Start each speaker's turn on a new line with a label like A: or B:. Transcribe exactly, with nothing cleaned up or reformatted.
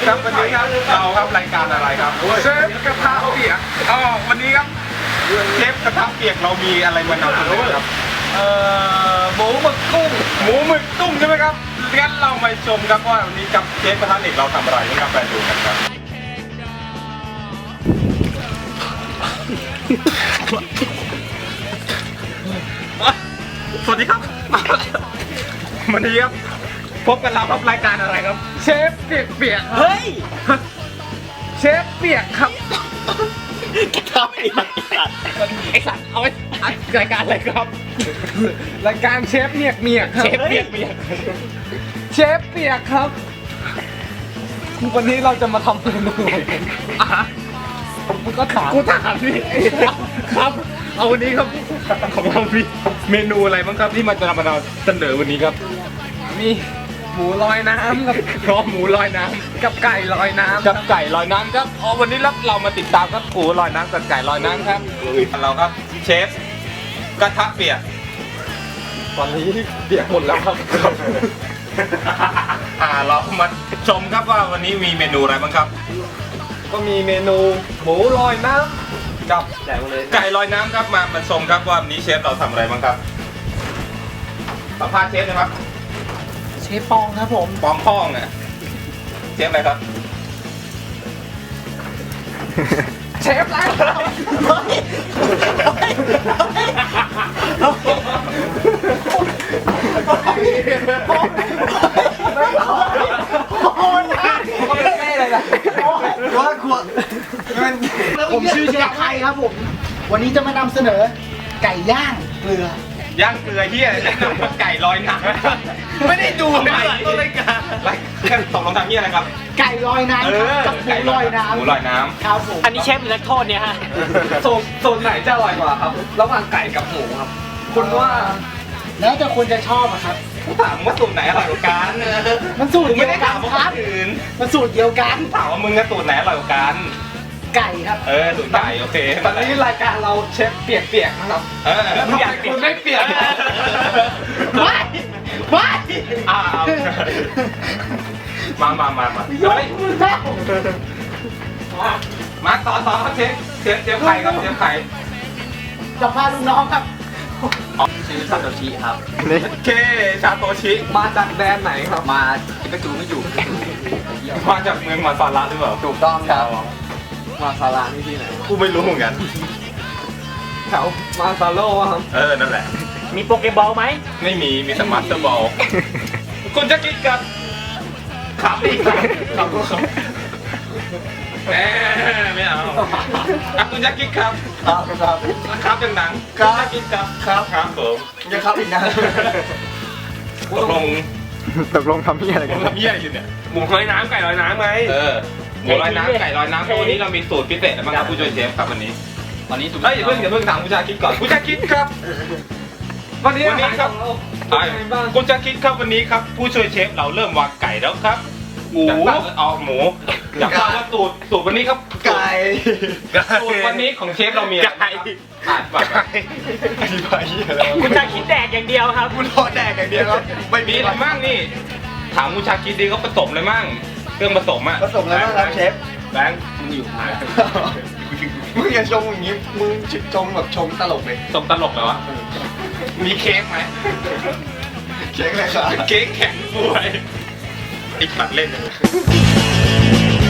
A: ครับวันนี้ครับเราครับรายการอะไรครับเชฟกระทะเปียกอ๋อวันนี้ครับเชฟกระทะเปียกเรามีอะไรมานำเสนอครับเอ่อหมูหมึกกุ้งหมูหมึกกุ้งใช่ไหมครับงั้นเรามาชมครับว่าวันนี้กับเชฟกระทะเด็กเราทำอะไรนะครับไปดูกันครับสวัสดีครับวันนี้ครับพบกันเราครับรายการอะไรครับเชฟเปียกเปียกเฮ้ยเชฟเปียกครับกระทำไอ้สัตว์ไอ้สัตว์เอาไว้รายการอะไรครับรายการเชฟเมียกเมียกเชฟเปียกเปียกเชฟเปียกครับวันนี้เราจะมาทำเมนูอ่ะมึงก็ถามกูถามพี่ครับเอาวันนี้ครับของเรามีเมนูอะไรบ้างครับที่มาจะนำมาเสนอวันนี้ครับมีหมูลอยน้ำกับพร้อมหมูลอยน้ำกับไก่ลอยน้ำกับไก่ลอยน้ำครับอ๋อวันนี้เราเรามาติดตามครับหมูลอยน้ำกับไก่ลอยน้ำครับเราครับเชฟกระทะเปียกตอนนี้เปียกหมดแล้วครับอ่าเรามาชมครับว่าวันนี้มีเมนูอะไรบ้างครับก็มีเมนูหมูลอยน้ำกับไก่ลอยน้ำครับมามาชมครับว่าวันนี้เชฟเราทำอะไรบ้างครับสัมภาษณ์เชฟนะครับ
B: เชฟปองครับผม
A: ปองพ่องอ่ะเชฟอะไรครับเชฟอะไร
B: ผมชื่อเชฟไทยครับผมวันนี้จะมานำเสนอไก่ย่างเกลื
A: อย่างเกลือเฮียไก่ลอยน้ำไม่ได้ดูใหม่ต้นรายการรายการตกลงทำเฮียอะไรครับ
B: ไก่ลอยน้ำกับหมูลอยน้ำ
A: หมูลอยน้ำ
B: ครับผม
C: อันนี้เชฟหรือนักโทษเนี่ยฮะ
A: โซนโซนไหนจะอร่อยกว่าครับระหว่างไก่กับหมูครับคุณว่า
B: แล้วแต่คนจะชอบอะครับ
A: ถามว่าสูตรไหนอร่อยกว่ากัน
B: มันสูตรเดียวกัน
A: ไม่ได้ถามว่าคนอื่น
B: มันสูตรเดียวกัน
A: ถามว่ามึงกับสูตรไหนอร่อยกว่ากัน
B: ไก่ครับ
A: เออสูตรไก่โอเคตอนนี้รายการเราเชฟเปียกๆนะครับเออแล้วทำไมคุณไม่เปียก
B: ไม่ไม่
A: อ้าวมามามามามาต่อต่อครับเชฟเชฟเชฟไข่ครับเชฟไข่
B: จะพาลูกน้องครับ
C: ชื่อซาโตชิครับ
A: เคชาโตชิมาจากแดนไหนครับ
C: มาจิกาจูไม่อยู่
A: มาจากเมืองมาซาระหรือเปล่า
C: ถูกต้องครับ
A: มาซาระนี่ที่ไหนกูไม่รู้เหมือนกันแถวมาซาโร่ครับเออนั่นแหละ
C: มีโปเกบอลไหม
A: ไม่มีมีแต่มาสเตอร์บอลคุณจะคิดกับขับอีกครับครับแหมไม่เอาอ่ะคุณจะคิดครับ
B: ครับครับ
A: ครับดังๆคุณจะคิดครับครับครับผม
B: ยังครับอีกนะ
A: ตกลง
D: ตกลงทำเหี้ยอะไรกัน
A: ทำเหี้ยอยู่เนี่ย
C: หมูลอยน้ำไก่ลอยน้ำไง
A: เออหมูลอยน้ำไก่ลอยน้ำวันนี้เรามีสูตรพิเศษอะไรบ้างครับผู้ช่วยเชฟครับวันนี้
C: วันนี้สูตร
A: เฮ้ยเพิ่งอย่าเพิ่งถามผู้ชายคิดก่อนผู้ชายคิดครับวันนี้วันนี้ครับคุณจะคิดครับวันนี้ครับผู้ช่วยเชฟเราเริ่มวางไก่แล้วครับหมูเอาหมูอยากทราบว่าสูตรสูตรวันนี้ครับ
B: ไก่
A: สูตรวันนี้ของเชฟเรามีไก่อ่านไปอธิบายอะไร
C: คุณจะคิดแดกอย่างเดียวครับ
A: คุณรอแดกอย่างเดียวครับไม่มีอะไรมั่งนี่ถามคุณชาคิดดีเขาผสมเลยมั่งเครื่องผสมอ่ะ
B: ผสมอะไรบ้างครับเชฟ
A: แบงค์มึงอยู่ไหน
B: มึงอย่าชงอย่างนี้มึงชงแบบชงตลกเลย
A: ชงตลกเหรอวะมีเค้กไหม
B: เค้กอะไรครับ
A: เค้กแข็งป่วยไอ้ปัดเล่น